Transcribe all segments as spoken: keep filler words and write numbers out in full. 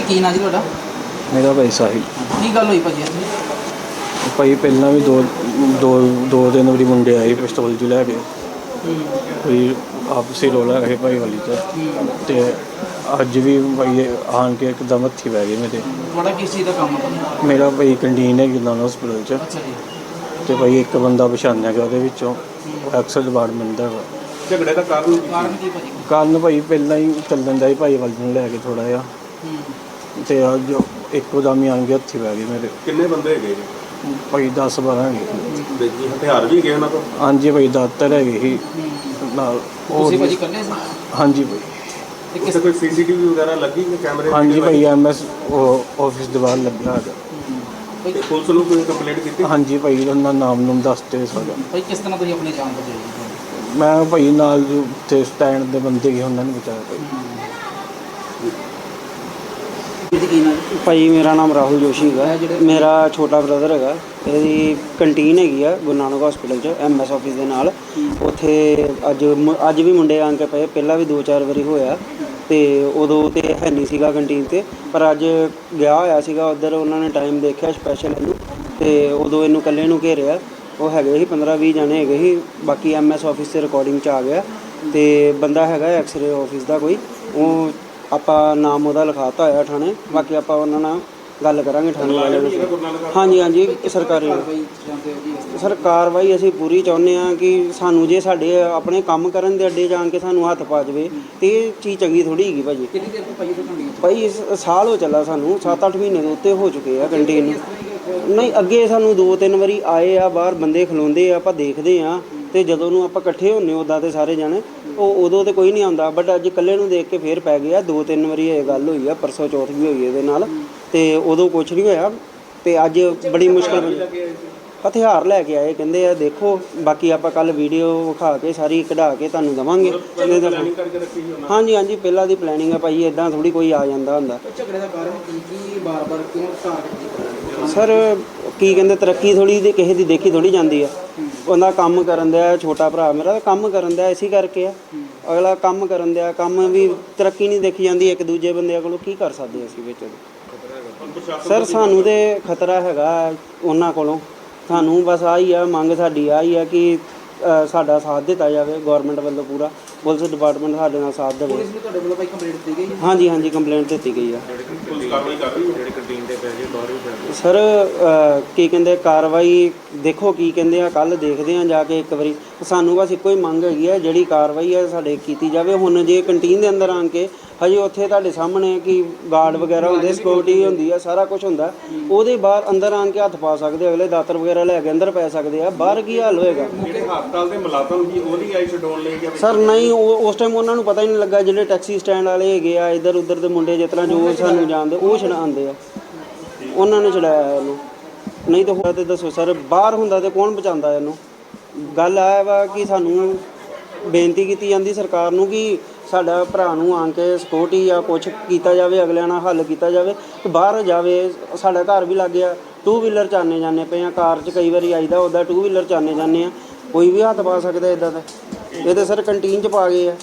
ਕੀ ਨਾਂ ਜੀ ਤੁਹਾਡਾ? ਮੇਰਾ ਭਾਈ ਸਾਹਿਲ। ਕੀ ਗੱਲ ਹੋਈ ਭਾਜੀ? ਭਾਈ ਪਹਿਲਾਂ ਵੀ ਦੋ ਦੋ ਦੋ ਤਿੰਨ ਵਾਰੀ ਮੁੰਡੇ ਆਏ ਪਿਸਤੌਲ ਜਿਹੀ ਲੈ ਕੇ, ਕੋਈ ਆਪਸੀ ਰੌਲਾ ਹੈ ਭਾਈ ਵਾਲੀ 'ਚ, ਅਤੇ ਅੱਜ ਵੀ ਭਾਈ ਆਣ ਕੇ ਇੱਕਦਮ ਹੱਥੀਂ ਪੈ ਗਏ ਮੇਰੇ। ਤੁਹਾਡਾ ਕਿਸ ਚੀਜ਼ ਦਾ ਕੰਮ ਹੈ? ਮੇਰਾ ਭਾਈ ਕੰਟੀਨ ਹੈਗੀ ਨਾਨ ਹਸਪੀਟਲ 'ਚ, ਅੱਛਾ ਜੀ। ਅਤੇ ਭਾਈ ਇੱਕ ਬੰਦਾ ਪਛਾਣਿਆ ਗਿਆ ਉਹਦੇ ਵਿੱਚੋਂ, ਉਹ ਐਕਸਲ ਡਿਪਾਰਟਮੈਂਟ ਦਾ ਵਾ। ਝਗੜੇ ਦਾ ਕਾਰਨ ਕਾਰਨ ਕੀ ਭਾਜੀ? ਕਾਰਨ ਭਾਈ ਪਹਿਲਾਂ ਹੀ ਚੱਲਣ ਦਾ ਹੀ ਭਾਈ ਵਾਲੀ ਨੂੰ ਲੈ ਕੇ ਥੋੜ੍ਹਾ ਜਿਹਾ, ਅਤੇ ਅੱਜ ਇੱਕੋ ਦਮ ਹੀ ਆਣ ਕੇ ਹੱਥੀਂ ਪੈ ਗਏ ਮੇਰੇ। ਕਿੰਨੇ ਬੰਦੇ ਹੈਗੇ ਜੀ? ਭਾਈ ਦਸ ਬਾਰਾਂ ਹੈਗੇ। ਜੀ ਹਥਿਆਰ ਵੀ ਹੈਗੇ ਉਹਨਾਂ ਕੋਲ? ਹਾਂਜੀ ਭਾਈ ਦਾਤਰ ਹੈਗੇ ਸੀ ਨਾਲ। ਤੁਸੀਂ ਭਾਜੀ ਇਕੱਲੇ ਸੀ? ਹਾਂਜੀ ਭਾਈ। ਤੇ ਕਿਸੇ ਕੋਈ ਸੀਸੀਟੀਵੀ ਵਗੈਰਾ ਲੱਗੀ ਕਿ ਕੈਮਰੇ? ਹਾਂਜੀ ਭਾਈ ਐਮ ਐਸ ਆਫਿਸ ਦੇ ਬਾਹਰ ਲੱਗਿਆ ਹੈਗਾ। ਤੇ ਪੁਲਿਸ ਨੂੰ ਕੋਈ ਕੰਪਲੇਂਟ ਕੀਤੀ? ਹਾਂਜੀ ਭਾਈ ਉਹਨਾਂ ਨਾਮ ਨੂੰ ਦੱਸਦੇ ਸਾਡਾ। ਭਾਈ ਕਿਸ ਤਰ੍ਹਾਂ ਤੁਸੀਂ ਆਪਣੀ ਜਾਨ ਬਚਾਈ? ਮੈਂ ਭਾਈ ਨਾਲ ਜੋ ਉੱਥੇ ਸਟੈਂਡ ਦੇ ਬੰਦੇ ਗਏ ਉਹਨਾਂ ਨੇ ਬਚਾਇਆ ਭਾਈ। ਕੀ ਨਾਂ? ਭਾਈ ਮੇਰਾ ਨਾਮ ਰਾਹੁਲ ਜੋਸ਼ੀ ਹੈਗਾ। ਮੇਰਾ ਛੋਟਾ ਬ੍ਰਦਰ ਹੈਗਾ। ਇਹਦੀ ਕੰਟੀਨ ਹੈਗੀ ਆ ਗੁਰੂ ਨਾਨਕ ਹਸਪੀਟਲ 'ਚ ਐਮ ਐਸ ਆਫਿਸ ਦੇ ਨਾਲ। ਉੱਥੇ ਅੱਜ ਅੱਜ ਵੀ ਮੁੰਡੇ ਆ ਕੇ ਪਏ, ਪਹਿਲਾਂ ਵੀ ਦੋ ਚਾਰ ਵਾਰੀ ਹੋਇਆ, ਅਤੇ ਉਦੋਂ ਤਾਂ ਹੈ ਨਹੀਂ ਸੀਗਾ ਕੰਟੀਨ 'ਤੇ, ਪਰ ਅੱਜ ਗਿਆ ਹੋਇਆ ਸੀਗਾ ਉੱਧਰ। ਉਹਨਾਂ ਨੇ ਟਾਈਮ ਦੇਖਿਆ ਸਪੈਸ਼ਲ ਇਹਨੂੰ, ਅਤੇ ਉਦੋਂ ਇਹਨੂੰ ਇਕੱਲੇ ਨੂੰ ਘੇਰਿਆ। ਉਹ ਹੈਗੇ ਸੀ ਪੰਦਰਾਂ ਵੀਹ ਜਣੇ ਹੈਗੇ ਸੀ। ਬਾਕੀ ਐਮ ਐਸ ਆਫਿਸ 'ਤੇ ਰਿਕਾਰਡਿੰਗ 'ਚ ਆ ਗਿਆ, ਅਤੇ ਬੰਦਾ ਹੈਗਾ ਐਕਸਰੇ ਆਫਿਸ ਦਾ ਕੋਈ, ਉਹ ਆਪਾਂ ਨਾਮ ਉਹਦਾ ਲਿਖਾਤਾ ਹੋਇਆ ਥਾਣੇ। ਬਾਕੀ ਆਪਾਂ ਉਹਨਾਂ ਨਾਲ ਗੱਲ ਕਰਾਂਗੇ ਥਾਣੇ ਵਾਲਿਆਂ ਨੂੰ। ਹਾਂਜੀ ਹਾਂਜੀ ਸਰਕਾਰੀ ਸਰ ਕਾਰਵਾਈ ਅਸੀਂ ਪੂਰੀ ਚਾਹੁੰਦੇ ਹਾਂ ਕਿ ਸਾਨੂੰ ਜੇ ਸਾਡੇ ਆਪਣੇ ਕੰਮ ਕਰਨ ਦੇ ਅੱਡੇ ਜਾਣ ਕੇ ਸਾਨੂੰ ਹੱਥ ਪਾ ਜਾਵੇ ਅਤੇ ਇਹ ਚੀਜ਼ ਚੰਗੀ ਥੋੜ੍ਹੀ ਹੈਗੀ ਭਾਜੀ। ਕਿੰਨੀ ਦੇਰ ਤੋਂ ਭਾਈ ਤੁਹਾਨੂੰ? ਭਾਈ ਇਸ ਸਾਲ ਹੋ ਚੱਲਾ ਸਾਨੂੰ, ਸੱਤ ਅੱਠ ਮਹੀਨੇ ਦੇ ਉੱਤੇ ਹੋ ਚੁੱਕੇ ਆ ਕੰਟੀਨ ਨੂੰ। ਨਹੀਂ ਅੱਗੇ ਸਾਨੂੰ ਦੋ ਤਿੰਨ ਵਾਰੀ ਆਏ ਆ, ਬਾਹਰ ਬੰਦੇ ਖਲੋਂਦੇ ਆ, ਆਪਾਂ ਦੇਖਦੇ ਹਾਂ, ਅਤੇ ਜਦੋਂ ਨੂੰ ਆਪਾਂ ਇਕੱਠੇ ਹੁੰਦੇ ਉੱਦਾਂ ਤੇ ਸਾਰੇ ਜਾਣੇ, ਉਹ ਉਦੋਂ ਤਾਂ ਕੋਈ ਨਹੀਂ ਆਉਂਦਾ, ਬਟ ਅੱਜ ਇਕੱਲੇ ਨੂੰ ਦੇਖ ਕੇ ਫੇਰ ਪੈ ਗਿਆ। ਦੋ ਤਿੰਨ ਵਾਰੀ ਇਹ ਗੱਲ ਹੋਈ ਆ, ਪਰਸੋਂ ਚੌਥ ਵੀ ਹੋਈ ਇਹਦੇ ਨਾਲ, ਅਤੇ ਉਦੋਂ ਕੁਛ ਨਹੀਂ ਹੋਇਆ, ਅਤੇ ਅੱਜ ਬੜੀ ਮੁਸ਼ਕਿਲ ਹਥਿਆਰ ਲੈ ਕੇ ਆਏ ਕਹਿੰਦੇ ਆ। ਦੇਖੋ ਬਾਕੀ ਆਪਾਂ ਕੱਲ੍ਹ ਵੀਡੀਓ ਵਿਖਾ ਕੇ ਸਾਰੀ ਕਢਾ ਕੇ ਤੁਹਾਨੂੰ ਦੇਵਾਂਗੇ। ਹਾਂਜੀ ਹਾਂਜੀ ਪਹਿਲਾਂ ਦੀ ਪਲੈਨਿੰਗ ਆ ਭਾਈ, ਇੱਦਾਂ ਥੋੜ੍ਹੀ ਕੋਈ ਆ ਜਾਂਦਾ ਹੁੰਦਾ। ਝਗੜੇ ਦਾ ਕਾਰਨ ਕੀ ਕੀ ਬਾਰ ਬਾਰ ਕਿਉਂ ਘਾਟ? ਸਰ ਕੀ ਕਹਿੰਦੇ, ਤਰੱਕੀ ਥੋੜ੍ਹੀ ਦੀ ਕਿਸੇ ਦੀ ਦੇਖੀ ਥੋੜ੍ਹੀ ਜਾਂਦੀ ਆ। ਉਹਦਾ ਕੰਮ ਕਰਨ ਦਿਆ, ਛੋਟਾ ਭਰਾ ਮੇਰਾ ਕੰਮ ਕਰਨ ਦਿਆ, ਇਸੇ ਕਰਕੇ ਆ। ਅਗਲਾ ਕੰਮ ਕਰਨ ਦਿਆ, ਕੰਮ ਵੀ ਤਰੱਕੀ ਨਹੀਂ ਦੇਖੀ ਜਾਂਦੀ ਇੱਕ ਦੂਜੇ ਬੰਦਿਆਂ ਕੋਲੋਂ। ਕੀ ਕਰ ਸਕਦੇ ਅਸੀਂ ਵਿੱਚ? ਸਰ ਸਾਨੂੰ ਤਾਂ ਖਤਰਾ ਹੈਗਾ ਉਹਨਾਂ ਕੋਲੋਂ। ਸਾਨੂੰ ਬਸ ਆਹੀ ਆ ਮੰਗ, ਸਾਡੀ ਆਹੀ ਆ ਕਿ ਸਾਡਾ ਸਾਥ ਦਿੱਤਾ ਜਾਵੇ ਗੌਰਮੈਂਟ ਵੱਲੋਂ ਪੂਰਾ। ਪੁਲਿਸ ਡਿਪਾਰਟਮੈਂਟ ਸਾਡੇ ਨਾਲ ਸਾਥ ਦੇਵੇ। ਪੁਲਿਸ ਨੂੰ ਤੁਹਾਡੇ ਵੱਲੋਂ ਭਾਈ ਕੰਪਲੇਂਟ ਦਿੱਤੀ ਗਈ? ਹਾਂਜੀ ਹਾਂਜੀ ਕੰਪਲੇਂਟ ਦਿੱਤੀ ਗਈ ਆ। ਪੁਲਿਸ ਕਾਰਵਾਈ ਕਰ ਰਹੀ ਹੈ ਜਿਹੜੇ ਕੰਟੀਨ ਦੇ ਪੈਸੇ ਬਾਹਰ ਵੀ ਪੈਂਦੇ? ਸਰ ਕੀ ਕਹਿੰਦੇ ਕਾਰਵਾਈ ਦੇਖੋ ਕੀ ਕਹਿੰਦੇ ਆ, ਕੱਲ੍ਹ ਦੇਖਦੇ ਹਾਂ ਜਾ ਕੇ ਇੱਕ ਵਾਰੀ। ਸਾਨੂੰ ਬਸ ਇੱਕੋ ਹੀ ਮੰਗ ਹੈਗੀ ਆ, ਜਿਹੜੀ ਕਾਰਵਾਈ ਹੈ ਸਾਡੇ ਕੀਤੀ ਜਾਵੇ। ਹੁਣ ਜੇ ਕੰਟੀਨ ਦੇ ਅੰਦਰ ਆਣ ਕੇ ਹਜੇ ਉੱਥੇ ਤੁਹਾਡੇ ਸਾਹਮਣੇ ਕਿ ਗਾਰਡ ਵਗੈਰਾ ਹੁੰਦੇ, ਸਿਕਿਉਰਿਟੀ ਹੁੰਦੀ ਆ, ਸਾਰਾ ਕੁਛ ਹੁੰਦਾ, ਉਹਦੇ ਬਾਹਰ ਅੰਦਰ ਆਣ ਕੇ ਹੱਥ ਪਾ ਸਕਦੇ ਅਗਲੇ, ਦਾਤਰ ਵਗੈਰਾ ਲੈ ਕੇ ਅੰਦਰ ਪੈ ਸਕਦੇ ਆ। ਬਾਹਰ ਕੀ ਹਾਲ ਹੋਏਗਾ? ਜਿਹੜੇ ਹਸਪਤਾਲ ਦੇ ਮੁਲਾਜ਼ਮ ਜੀ ਉਹਦੀ ਆਈ ਛਡਾਉਣ ਲਈ ਜਾਂ? ਸਰ ਨਹੀਂ, ਉਹ ਉਸ ਟਾਈਮ ਉਹਨਾਂ ਨੂੰ ਪਤਾ ਹੀ ਨਹੀਂ ਲੱਗਾ। ਜਿਹੜੇ ਟੈਕਸੀ ਸਟੈਂਡ ਵਾਲੇ ਹੈਗੇ ਆ ਇੱਧਰ ਉੱਧਰ ਦੇ ਮੁੰਡੇ ਜਿਸ ਤਰ੍ਹਾਂ ਜੋ ਸਾਨੂੰ ਜਾਣਦੇ, ਉਹ ਛਡਾਉਂਦੇ ਆ, ਉਹਨਾਂ ਨੇ ਛਡਾਇਆ ਇਹਨੂੰ। ਨਹੀਂ ਤਾਂ ਹੋਰ ਤਾਂ ਦੱਸੋ ਸਰ, ਬਾਹਰ ਹੁੰਦਾ ਤਾਂ ਕੌਣ ਬਚਾਉਂਦਾ ਇਹਨੂੰ? ਗੱਲ ਆ ਵਾ ਕਿ ਸਾਨੂੰ ਬੇਨਤੀ ਕੀਤੀ ਜਾਂਦੀ ਸਰਕਾਰ ਨੂੰ ਕਿ ਸਾਡਾ ਭਰਾ ਨੂੰ ਆਣ ਕੇ ਸਿਕਿਉਰਟੀ ਜਾਂ ਕੁਛ ਕੀਤਾ ਜਾਵੇ, ਅਗਲਿਆਂ ਨਾਲ ਹੱਲ ਕੀਤਾ ਜਾਵੇ, ਕਿ ਬਾਹਰ ਜਾਵੇ। ਸਾਡਾ ਘਰ ਵੀ ਲੱਗ ਗਿਆ, ਟੂ ਵੀਲਰ 'ਚ ਆਉਂਦੇ ਜਾਂਦੇ ਪਏ ਹਾਂ, ਕਾਰ 'ਚ ਕਈ ਵਾਰੀ ਆਈਦਾ, ਉੱਦਾਂ ਟੂ ਵੀਲਰ 'ਚ ਆਉਂਦੇ ਜਾਂਦੇ ਹਾਂ, ਕੋਈ ਵੀ ਹੱਥ ਪਾ ਸਕਦਾ ਇੱਦਾਂ ਦਾ। ਇਹ ਤਾਂ ਸਰ ਕੰਟੀਨ 'ਚ ਪਾ ਗਏ ਆ।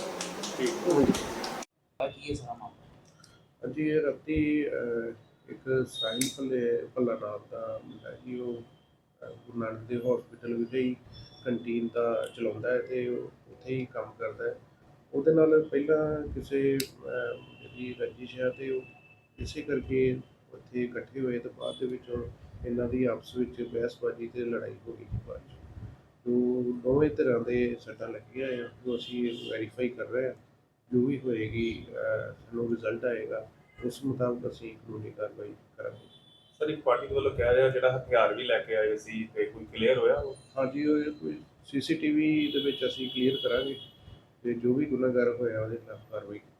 ਹਾਂਜੀ ਇਹ ਰਾਤੀ ਇੱਕ ਸਾਹਿਲ ਭੱਲੇ ਭੱਲਾ ਨਾਮ ਦਾ ਮੁੰਡਾ ਜੀ, ਉਹ ਗੁਰੂ ਨਾਨਕ ਦੇਵ ਹਸਪੀਟਲ ਵਿਖੇ ਹੀ ਕੰਟੀਨ ਦਾ ਚਲਾਉਂਦਾ ਹੈ ਅਤੇ ਉੱਥੇ ਹੀ ਕੰਮ ਕਰਦਾ ਹੈ। ਉਹਦੇ ਨਾਲ ਪਹਿਲਾਂ ਕਿਸੇ ਜਿਹੜੀ ਰੰਜਿਸ਼ ਹੈ ਅਤੇ ਉਹ ਇਸੇ ਕਰਕੇ ਉੱਥੇ ਇਕੱਠੇ ਹੋਏ, ਅਤੇ ਬਾਅਦ ਦੇ ਵਿੱਚ ਇਹਨਾਂ ਦੀ ਆਪਸ ਵਿੱਚ ਬਹਿਸਬਾਜ਼ੀ ਅਤੇ ਲੜਾਈ ਹੋ ਗਈ। ਬਾਅਦ 'ਚ ਜੋ ਦੋਵੇਂ ਧਿਰਾਂ ਦੇ ਸੱਟਾਂ ਲੱਗੀਆਂ ਆ, ਉਹ ਅਸੀਂ ਵੈਰੀਫਾਈ ਕਰ ਰਹੇ ਹਾਂ। ਜੋ ਵੀ ਹੋਏਗੀ ਸਾਨੂੰ ਰਿਜ਼ਲਟ ਆਏਗਾ, ਉਸ ਮੁਤਾਬਕ ਅਸੀਂ ਕਾਨੂੰਨੀ ਕਾਰਵਾਈ ਕਰਾਂਗੇ। ਸਰ ਇੱਕ ਪਾਰਟੀ ਵੱਲੋਂ ਕਹਿ ਰਿਹਾ ਜਿਹੜਾ ਹਥਿਆਰ ਵੀ ਲੈ ਕੇ ਆਏ ਸੀ, ਤੇ ਕੋਈ ਕਲੀਅਰ ਹੋਇਆ? ਹਾਂਜੀ ਉਹ ਕੋਈ ਸੀ ਸੀ ਟੀ ਵੀ ਦੇ ਵਿੱਚ ਅਸੀਂ ਕਲੀਅਰ ਕਰਾਂਗੇ, ਅਤੇ ਜੋ ਵੀ ਗੁਨਾਹਗਾਰ ਹੋਇਆ ਉਹਦੇ ਖਿਲਾਫ ਕਾਰਵਾਈ